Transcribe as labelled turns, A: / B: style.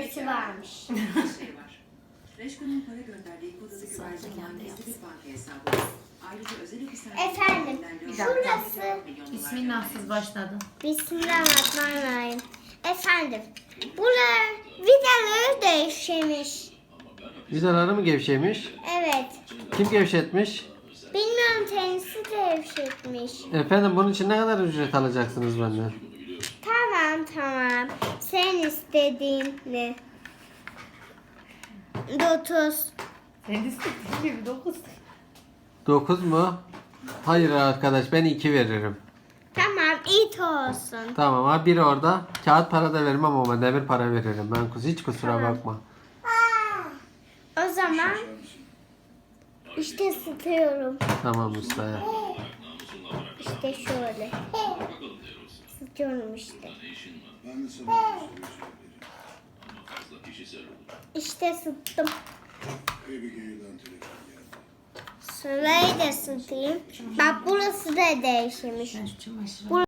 A: nesi varmış.
B: şey var. Reşko'nun para gönderdiği kodalı güvercin olan gizli bir banka hesabı var. Ayrıca özel hapishane...
A: Efendim, şurası.
C: Bismillahsız başladı.
A: Bismillahirrahmanirrahim. Efendim, buralar vidaları değişmiş.
D: Vidaları mı gevşemiş?
A: Evet.
D: Kim gevşetmiş?
A: Bilmiyorum, kendisi gevşetmiş.
D: Efendim bunun için ne kadar ücret alacaksınız benden?
A: Tamam. Sen istediğin ne? 30.
C: Sen de istediğin gibi 9.
D: 9 mu? Hayır arkadaş ben 2 veririm.
A: Tamam, it olsun.
D: Tamam ha biri orada. Kağıt para da vermem ama demir para veririm. Ben hiç kusura bakma.
A: O zaman işte ısıtıyorum.
D: Tamam ustaya.
A: İşte şöyle. Isıtıyorum işte. İşte ısıttım. Şurayı da ısıtayım. Bak burası da değişmiş.
C: Ben şu çamaşırı